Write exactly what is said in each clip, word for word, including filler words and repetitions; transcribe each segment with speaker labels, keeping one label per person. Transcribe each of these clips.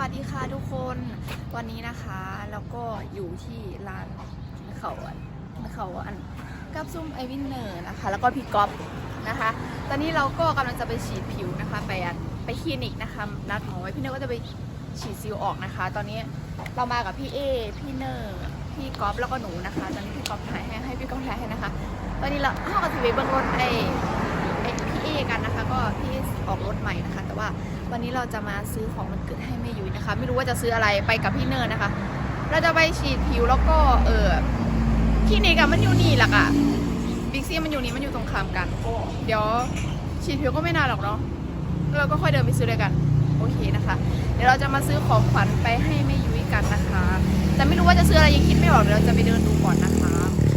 Speaker 1: ดีค่ะทุกคนวันนี้นะคะแล้วก็อยู่ที่ร้านเขาอันเขาอันกับซุ่มไอวินเนอร์นะคะแล้วก็พี่ก๊อฟนะคะตอนนี้เราก็กำลังจะไปฉีดผิวนะคะไปอันไปคลินิกนะคะนัดหมอไว้พี่เนอร์ก็จะไปฉีดซิลออกนะคะตอนนี้เรามากับพี่เอพี่เนอร์พี่ก๊อฟแล้วก็หนูนะคะตอนนี้พี่ก๊อฟถ่ายให้ให้พี่ก๊อฟถ่ายให้นะคะตอนนี้เราเข้ากับทีวีเบื้องรถไอไอพี่เอกันนะคะก็พี่ออกรถใหม่นะคะแต่ว่าวันนี้เราจะมาซื้อของวันเกิดให้แม่ยุ้ยนะคะไม่รู้ว่าจะซื้ออะไรไปกับพี่เนอร์นะคะเราจะไปฉีดผิวแล้วก็เออคลินิกอะมันอยู่นี่แหละอะบิ๊กซีมันอยู่นี่มันอยู่ตรงข้ามกันเดี๋ยวฉีดผิวก็ไม่นานหรอกเนาะเราก็ค่อยเดินไปซื้อด้วยกันโอเคนะคะเดี๋ยวเราจะมาซื้อของขวัญไปให้แม่ยุ้ยกันนะคะแต่ไม่รู้ว่าจะซื้ออะไรยังคิดไม่ออกเดี๋ยวเราจะไปเดินดูก่อนนะคะ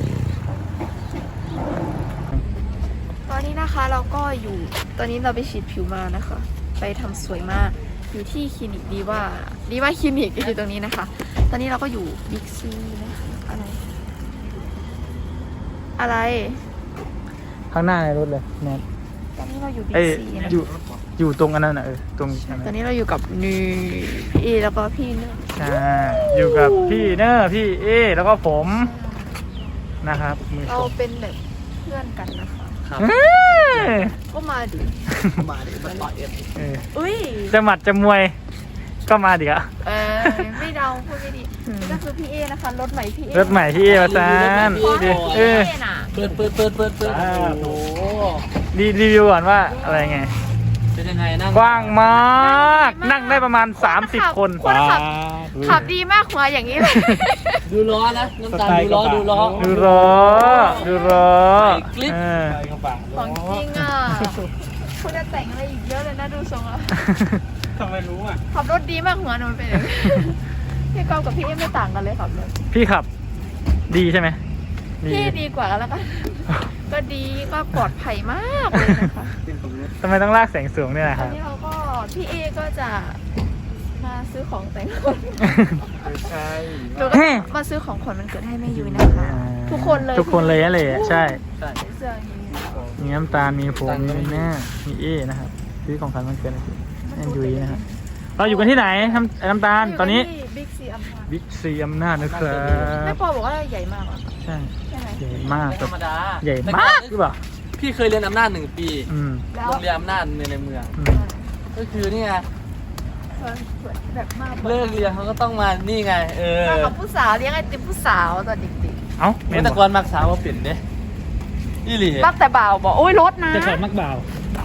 Speaker 1: ตอนนี้นะคะเราก็อยู่ตอนนี้เราไปฉีดผิวมานะคะไปทำสวยมากอยู่ที่คลินิกดีว่าดีว่าคลินิกอยู่ตรงนี้นะคะตอนนี้เราก็อยู่บิ๊กซีนะคะอะไรอะไร
Speaker 2: ข้างหน้าในรถเลยแนท
Speaker 1: ตอนนี้เราอยู่บิ๊
Speaker 2: เอ้
Speaker 1: ก
Speaker 2: ย
Speaker 1: ซีนะ
Speaker 2: อยู่อยู่ตรงอันนั้นน่ะเออตรงอัน
Speaker 1: ตอ
Speaker 2: นั้น น
Speaker 1: นี้เราอยู่กับนี่พี่เอแล้วก็พี่เนอร์
Speaker 2: อ่าอยู่กับพี่เนอร์พี่เอแล้วก็ผมนะครับมือ
Speaker 1: เรา
Speaker 2: ชม
Speaker 1: เป็นแบบเพื่อนกันนะคะ
Speaker 2: เฮ้ย
Speaker 1: ก็มาดิ
Speaker 3: มาดิมาต่อยเอ็ม
Speaker 2: เออ
Speaker 1: อุ้ย
Speaker 2: จะหมัดจะมวยก็มาดิอะ
Speaker 1: เออไม่เดาพูดไม่ดีนี่ก็คือพี่เอนะคะรถใหม่พี่เอ
Speaker 2: รถใหม่พี่เอมาซาน
Speaker 1: ขอให้
Speaker 2: เอ
Speaker 1: พี่
Speaker 2: อ
Speaker 1: เอน่ะ
Speaker 3: เปิดเปิดเปิดเปิดเปิดโอ้โห
Speaker 2: รีรีวิวก่อนว่าอะไรไง
Speaker 3: เป็นยังไงนั่ง
Speaker 2: กว้างมากนั่งได้ประมาณสามสิบคน
Speaker 1: คนขับขับดีมากหัวอย่างนี้เลย
Speaker 3: ดูล้อนะน้ำตาลดูล้อดูล้อ
Speaker 2: ดูล้อดูล้อ
Speaker 3: คลิป
Speaker 2: เออ
Speaker 1: ของจริงอ่ะคุณจะแต่งอะไรอีกเยอะเลยนะดูทรงแล้ว
Speaker 2: ทำไมรู้อ่ะ
Speaker 1: ขับรถดีมากหัวหนูเป็นอย่างนี้พี่กอล์ฟกับพี่เอไม่ต่างกันเลยขับรถ
Speaker 2: พี่ขับดีใช่ไหม
Speaker 1: พี่ดีกว่าแล้วกันก็ดีก็ปลอดภัยมากเลยนะคะ
Speaker 2: ทำไมต้องลากแสงสูงเนี่ยนะ
Speaker 1: ต
Speaker 2: ค
Speaker 1: อน
Speaker 2: รับ
Speaker 1: นี้เราก็พี่เอก็จะมาซื้อของแต่งคน
Speaker 3: ใช่
Speaker 1: หนูก็มาซื้อของขวัญวันเกิดให้แม่ยุ้ยนะคะ ทุกคนเลย
Speaker 2: ทุกคนเลยนั่นเลยใช่
Speaker 3: ใช่
Speaker 1: เสื้ออย่างนี้
Speaker 2: มีน้ำตาลมีผมมีแม่มีเอนะครับซื้อของขวัญวันเกิดให้แอนยุ้ยนะครับเราอยู่กันที่ไหนน้ำน้ำตาลตอนนี้
Speaker 1: บิ๊กซีอำนาจ
Speaker 2: บิ๊กซีอำนาจนะครับ
Speaker 1: แม่ปอบอกว่าใหญ่มากอ่ะ
Speaker 2: ใช่
Speaker 1: ใช่ไหม
Speaker 2: ใหญ่มาก
Speaker 3: ธรรมดา
Speaker 2: ใหญ่มากหรือเปล่า
Speaker 3: พี่เคยเรียนอำนาจหนึ่งปี
Speaker 2: อืม
Speaker 1: แล้ว
Speaker 3: โรงเรียนอำนาจในในเมือง
Speaker 2: อืม
Speaker 3: ก็คือนี่ไง
Speaker 1: แบบมาก
Speaker 3: เลิกเรียนเขาก็ต้องมานี่ไง เออ
Speaker 1: มากับผู้สาวเลี้ยงไอติมผู้สาวตอนเด็ก
Speaker 2: เอ้า
Speaker 3: เมื่อแต่ก่อนมักสาวมาเปลี่ยนเด้ยี่หลี
Speaker 1: ๆรักแต่บ่าวบอกโอ้ยรถนะ
Speaker 2: จะขอมักบ่าว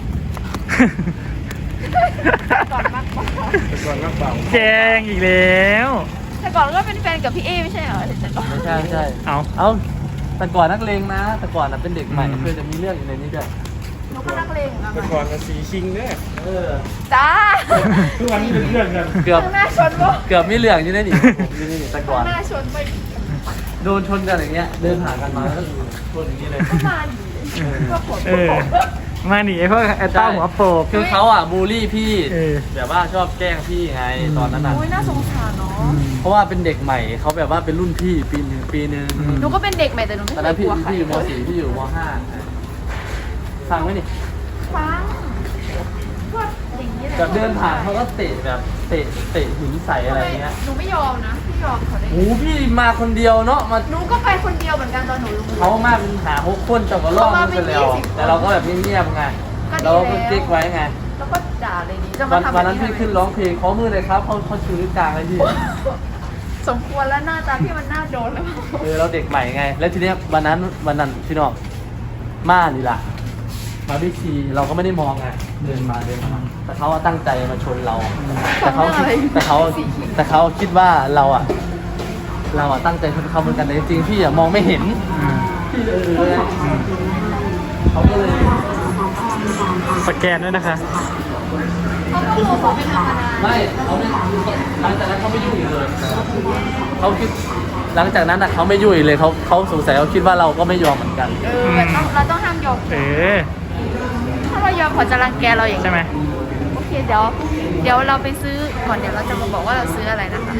Speaker 1: ก่อนมากกว่า
Speaker 3: ก่อนมักเบา
Speaker 2: แจงอีกแล้ว
Speaker 1: แต่ก่อนก็เป็นแฟนกับพี่เอไม่ใช่เหรอแต่ก่อน
Speaker 3: ไม่ใช่ไม่ใช่
Speaker 2: เอา
Speaker 3: เอาแต่ก่อนนักเลงนะ แต่ก่อนน่ะเป็นเด็กใหม่
Speaker 2: อืม
Speaker 3: เคยจะมีเรื่องอยู่ในนี้ด้วย
Speaker 1: หนูก็นักเลงอะ
Speaker 4: แต่ก่อนมันสีชิงเนี่ย
Speaker 3: เออ
Speaker 1: จ้า
Speaker 4: ทุกวันนี้เป็นเพื่อนกัน
Speaker 3: เกือบ
Speaker 1: ข้างหน้าชนบ่
Speaker 3: เกือบมีเรื่องอยู่ในนี่ผมอยู่ในนี่แต่ก่อน
Speaker 1: ข้างหน้าชนไป
Speaker 3: โดนชนกันอย่างเงี้ย เดินผ่านกันมาแล้วก็ชนอย่างนี้เลย
Speaker 1: ก็มาอยู่ก็ปวด
Speaker 2: เออมาหนีไอ้พวกไอ้เต้าหัวโปก
Speaker 3: คือเขาอ่ะบูลลี่พี่
Speaker 2: เออ
Speaker 3: แบบว่าชอบแกล้งพี่ไงตอนนั้นน่ะ
Speaker 1: โอ้ยน่าสงสารเนาะ
Speaker 3: เพราะว่าเป็นเด็กใหม่เขาแบบว่าเป็นรุ่นพี่ปีหนึ่งปีหนึ่ง
Speaker 2: อืม
Speaker 1: หนูก็เป็นเด็กใหม่แต่หนูไม่
Speaker 3: ตอน
Speaker 1: เค
Speaker 3: นั้
Speaker 1: ย
Speaker 3: น
Speaker 1: ก
Speaker 3: พี่
Speaker 1: ลัวใคร
Speaker 3: พี่อยู่ม .สี่ พี่อยู่ม .ห้า ฟังไหมนี่
Speaker 1: ฟังก็อย่างนี้แหละ
Speaker 3: แบบเดินผ่านเขาก็เตะแบบเตะเตะหินใส่อะไรเงี้ย
Speaker 1: หนูไม่ยอมนะพี่ยอมเขาได้
Speaker 3: โอ้พี่มาคนเดียวเนาะมา
Speaker 1: หนูก็ไปคนเดียวเหมือนกันตอนหนูลง
Speaker 3: เขามาเป็นหาหกคนแต่ก็ล่อมันไปแล้ว แต่เราก็แบบเงียบๆไงเราก็ติ๊กไว้ไง
Speaker 1: แล้วก็ด่าเลยนี้จะ
Speaker 3: วั
Speaker 1: มาน ทำ
Speaker 3: วันนั้นพี่ขึ้นร้องเพลงขอมือเลยครับเขาเขาชูนิ้วกลางเลยพี่
Speaker 1: สมควรแล้วหน้าตาพี่มันน่าโดนแล้ว
Speaker 3: เออเราเด็กใหม่ไง แล้วทีเนี้ยวันนั้นวันนั้นพี่น้องมานี่ล่ะมาบิ๊กซีเราก็ไม่ได้มองไงเดินมาเดินมาแต่เขาตั้งใจมาชนเรา แต่เขาคิดแต่เขาแต่เขาคิดว่าเราอ่ะ เราอ่ะตั้งใจชนเขาเหมือนกันแต่จริงๆพี่อ่ะมองไม่เห็น
Speaker 2: อืม
Speaker 3: พี่เออเขาก็เลย
Speaker 2: สแกนด้วยนะคะ
Speaker 1: เขาก็โมเขาเป็นธรรมดา
Speaker 3: ไม่เขาไม่หลังจากนั้นเขาไม่ยุ่งอีกเลยเขาคิดหลังจากนั้นอ่ะเขาไม่ยุ่งอีกเลยเขาเขาสงสัยเขาคิดว่าเราก็ไม่ยอมเหมือนกัน
Speaker 1: เออต้องเราต้องห้ามยอม
Speaker 2: เออ
Speaker 1: ถ้าเรายอมเขาจะรังแกเราอย่าง
Speaker 2: ใช่ไหม
Speaker 1: โอเคเดี๋ยวเดี๋ยวเราไปซื้อก่อนเดี๋ยวเราจะมาบอกว่าเราซื้ออะไรนะคะ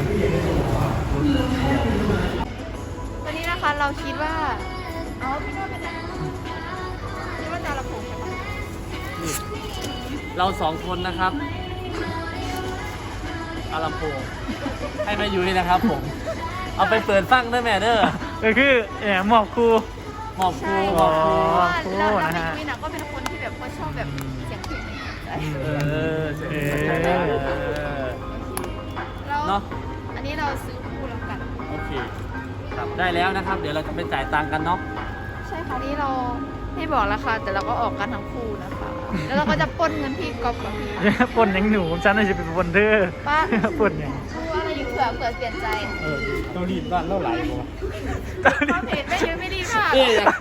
Speaker 1: วันนี้นะคะเราคิดว่าอ๋อพี่โน้ตเป็นอะไรคิดว่าจะระผมใช่ปะ
Speaker 3: เราสองคนนะครับเอาลำโพงให้แม่ยุ้ยนะครับผมเอาไปเปิดฟังด้วยแม่เด้อ
Speaker 2: ก็คือแหมหมอบครู
Speaker 3: หมอบครู
Speaker 1: ใช่
Speaker 3: หมอบครู
Speaker 1: เพราะว่า
Speaker 2: ครู
Speaker 1: เราเรา
Speaker 2: นะ
Speaker 1: ไม่
Speaker 2: ฮะ
Speaker 1: ยุ้ยนะก็เป็นคนที่แบบเขาชอบแบบเสียงเพลงในหัวใจ
Speaker 3: เออเสียง
Speaker 2: เอ
Speaker 3: เสียง
Speaker 2: อ
Speaker 3: เออ
Speaker 1: แล้ว
Speaker 3: เนาะ
Speaker 1: อันนี้เราซื้อคู่แล้วกัน
Speaker 3: โอเคครับได้แล้วนะครับ เดี๋ยวเราจะไปจ่ายตังค์กันเนาะ
Speaker 1: ใช่ค่ะนี่เราไม่บอกราคาแต่เราก็ออกกันทั้งคู่นะคะ แล้วเราก็จะปล้นเงินพี่ก๊อฟกับพี่
Speaker 2: ปนยังหนูฉันน่าจะเป็นปนเธอ
Speaker 1: ป้า
Speaker 2: ปนยัง
Speaker 1: ดูอะไรอยู่เผื่อเผื่อเปลี่ยนใจ
Speaker 4: เออเกาหลีบ้านเล่าไหลบ่วะ
Speaker 1: ความเห็นไม่เยอะไม่ดีค่ะ
Speaker 3: เอ๊ะอยาก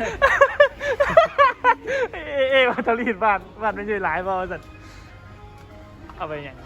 Speaker 2: เอเอว่าตอรีดบ้านบ้านไม่ใช่หลายบ่าวสัตว์เอาไปอย่าง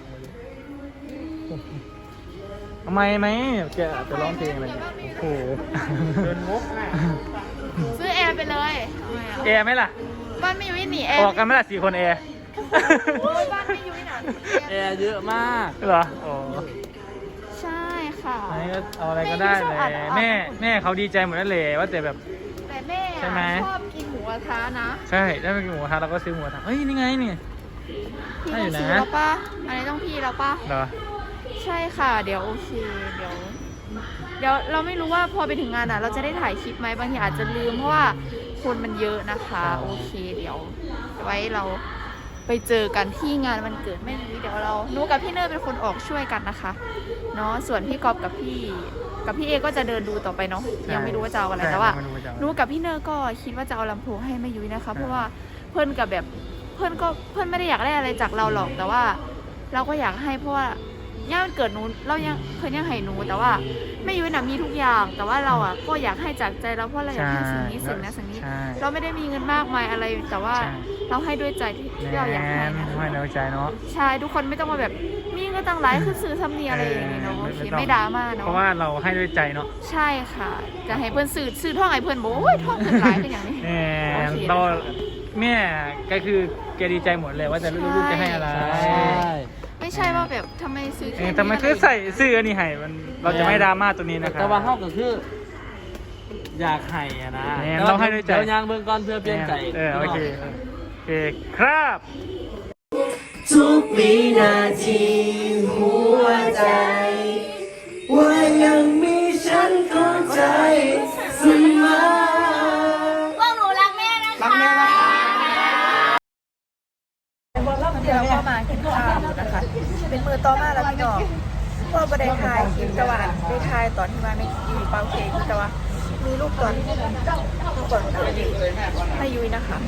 Speaker 2: ทำไมไหมแกอาจจะร้องเพลงอะไรอย่างเงี้ยโอ้โห
Speaker 4: เดินงกอ่ะ
Speaker 1: ซื้อแอร์ไปเลยทำไม
Speaker 2: แอ
Speaker 1: อ่ะ
Speaker 2: ร์ไหมล่ะ
Speaker 1: บ้านไม่ยุ้ยหนีแอร์
Speaker 2: ออกกันไหมล่ะสี่คนแอร์
Speaker 1: โอ้ยบ้านไม่ยุ้ยหนา
Speaker 3: แอร์เยอะมาก
Speaker 2: เหรอโอ้
Speaker 1: ใช่ค่ะ
Speaker 2: อันนี้ก็เอาอะไรก็ได้เลยแม่แม่เขาดีใจหมดแล้วเลยว่าแต่แบบ
Speaker 1: แต่แม่
Speaker 2: ใช่ไหม
Speaker 1: อะชอบกินหมูกระทะนะ
Speaker 2: ใช่ได้ไปกินหมูกระทะเราก็ซื้อหมูกระทะเฮ้ยนี่ไงนี่
Speaker 1: พี่
Speaker 2: ได้อยู่
Speaker 1: ต้อง
Speaker 2: นะ
Speaker 1: ซื้อแล้วป่ะอันนี้ต้องพี่แล้วป่ะ
Speaker 2: เหรอ
Speaker 1: ใช่ค่ะ เดี๋ยวโอเค เดี๋ยว เดี๋ยวเราไม่รู้ว่าพอไปถึงงานอ่ะ เราจะได้ถ่ายคลิปไหมบางทีอาจจะลืมเพราะว่าคนมันเยอะนะคะ โอเค เดี๋ยว ไว้เราไปเจอกันที่งานวันเกิดแม่นุ้ยเดี๋ยวเราหนูกับพี่เนอร์เป็นคนออกช่วยกันนะคะเนาะส่วนพี่ก๊อฟกับพี่ กับพี่เอก็จะเดินดูต่อไปเนาะยังไม่รู้ว่าจะเอาอะไรแต่ว่า
Speaker 2: ใช่ไม่รู้จะเอาอะไร
Speaker 1: หนูกับพี่เนอร์ก็คิดว่าจะเอาลำโพงให้แม่ยุ้ยนะคะ เพราะว่าเพื่อนกับแบบเพื่อนก็เพื่อนไม่ได้อยากได้อะไรจากเราหรอกแต่ว่า เราก็อยากให้เพราะว่าย่ามันเกิดหนูเรายังเพื่อนยังให้หนูแต่ว่าแม่ยุ้ยน่ะมีทุกอย่าง แต่ว่าเราอ่ะก็อยากให้จากใจเราเพราะเราอยากให้สิ่งนี้สิ่งนั้นสิ่งนี้
Speaker 2: ใช่
Speaker 1: เราไม่ได้มีเงินมากมายอะไร แต่ว่า
Speaker 2: ใช่
Speaker 1: เราให้ด้วยใจที่ที่เราอยากให้นะ
Speaker 2: ให้ในใจเนาะ
Speaker 1: ใช่ทุกคนไม่ต้องมาแบบมีเงินตั้งหลายคือซื้อทำเนียอะไรอย่างงี้เนาะโอเคไม่ดราม่าเนาะ
Speaker 2: เพราะว่าเราให้ด้วยใจเนาะ
Speaker 1: ใช่ค่ะจะให้เพื่อนซื้อซื้อท่องให้เพื่อนบอกโอ้ยท่องเงินหลายเป็นอย่างนี้
Speaker 2: แห
Speaker 1: โอ
Speaker 2: ม
Speaker 1: เค
Speaker 2: เราแม่ก็คือแกดีใจหมดเลยว่าจะลูกๆจะให้อะไร
Speaker 3: ใช่
Speaker 1: ไม่ใช่ว่าแบบทำไมซื้อ
Speaker 2: เอ
Speaker 1: แค่
Speaker 2: อ
Speaker 1: นี้
Speaker 2: ทำไมคือใส่เสื้อนี่ให้มันเราจะไม่ดราม่าตัวนี้นะครับ
Speaker 3: แต่ว่าเฮาก็คือ อยากให้อะนะ
Speaker 2: แหมเราให้ด้วยใจ
Speaker 3: เดี๋ยวยางเบิ่งก่อนเพื่อเปลี่ยนใจ
Speaker 2: เออโอเคโอเคครับ
Speaker 5: ทุกวินาทีหัวใจ ว่ายังมีฉันเข้าใจเสมอ
Speaker 1: พวกหนูรักแม่นะคะ
Speaker 5: รักแม่นะ
Speaker 1: เดี๋ยวก็มากินข้าวนะคะ เป็นมือต่อมาแล้วพี่น้องพ่อประเดี๋ยวทายคลิปตะวันได้ทายตอนที่มาไม่อยู่เปาเค้กแต่ว่ามีลูกตอนลูกตอนไม่ยุ้ยนะคะ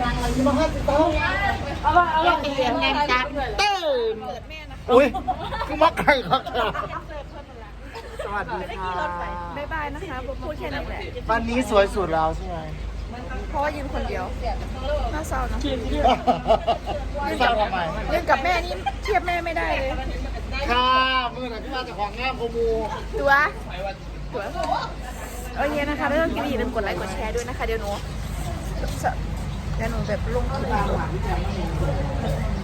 Speaker 1: ยังเสียงแงจัดตื่น
Speaker 5: อุ้ยคือมักไก่ครับสวัสดีค่ะ
Speaker 1: บ๊ายบายนะคะพูดแค่นั้นแหละ
Speaker 5: วันนี้สวยสุดแล้วใช่ไหม
Speaker 1: เพราะว่ายืนคนเดียวน่าเศร้านะ
Speaker 5: ทราบทำไม
Speaker 1: ยืนกับแม่นี่เทียบแม่ไม่ได้เลย
Speaker 5: ค่ะมือไหนพี่มาจากของงามโคมู
Speaker 1: ตัวตัวโอเคนะคะแล้วก็กินอย่าลืมกดไลค์กดแชร์ด้วยนะคะเดี๋ยวหนูเดี๋ยวหนูแบบลงคลิป